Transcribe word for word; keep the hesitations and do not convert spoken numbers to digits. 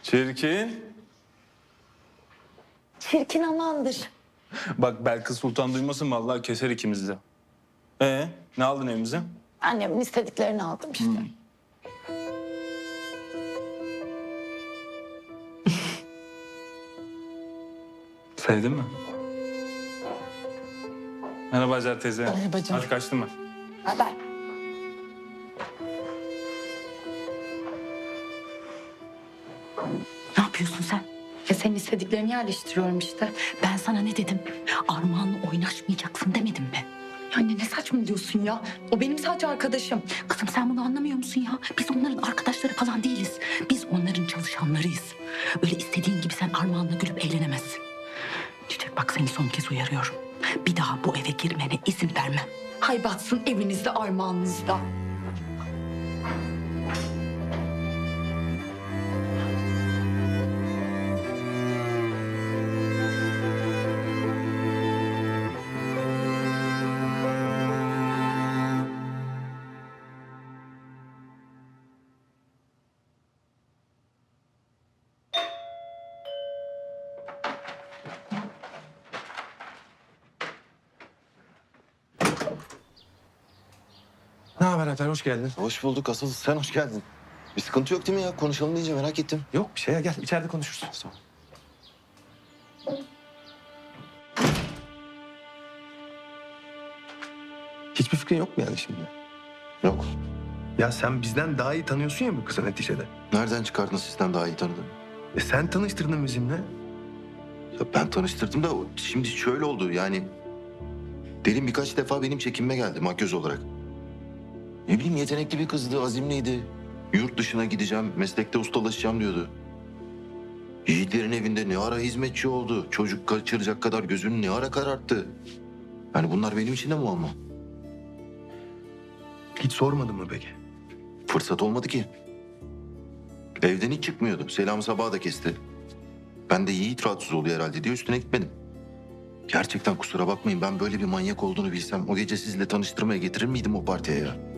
Çirkin. Çirkin amandır. Bak Belkıs Sultan duymasın vallahi keser ikimizi de. Ee, ne aldın evimize? Annemin istediklerini aldım işte. Sevdin mi? Merhaba Hacer teyze. Merhaba canım. Hadi kaçtım ben. Haber. Ne yapıyorsun sen? Ya senin istediklerini yerleştiriyorum işte. Ben sana ne dedim? Armağan'la oynaşmayacaksın demedim mi? Ya anne ne saçmalıyorsun ya? O benim sadece arkadaşım. Kızım sen bunu anlamıyor musun ya? Biz onların arkadaşları falan değiliz. Biz onların çalışanlarıyız. Öyle istediğin gibi sen Armağan'la gülüp eğlenemezsin. Çiçek bak seni son kez uyarıyorum. Bir daha bu eve girmene izin vermem. Hay batsın evinizde Armağan'ınızda. Ne haber Alper, hoş geldin. Hoş bulduk. Asıl sen hoş geldin. Bir sıkıntı yok değil mi ya? Konuşalım deyince merak ettim. Yok bir şey ya, gel içeride konuşuruz. Tamam. Hiçbir fikrin yok mu yani şimdi? Yok. Ya sen bizden daha iyi tanıyorsun ya bu kızı neticede. Nereden çıkardın sizden daha iyi tanıdın? E sen tanıştırdın bizimle. Ya ben tanıştırdım da o- şimdi şöyle oldu yani. Derin birkaç defa benim çekinme geldi makyöz olarak. Ne bileyim yetenekli bir kızdı, azimliydi. Yurt dışına gideceğim, meslekte ustalaşacağım diyordu. Yiğitlerin evinde ne ara hizmetçi oldu. Çocuk kaçıracak kadar gözünü ne ara kararttı. Yani bunlar benim için de muamma. Hiç sormadın mı peki? Fırsat olmadı ki. Evden hiç çıkmıyordu. Selam sabahı da kesti. Ben de Yiğit rahatsız oluyor herhalde diye üstüne gitmedim. Gerçekten kusura bakmayın, ben böyle bir manyak olduğunu bilsem o gece sizinle tanıştırmaya getirir miydim o partiye ya?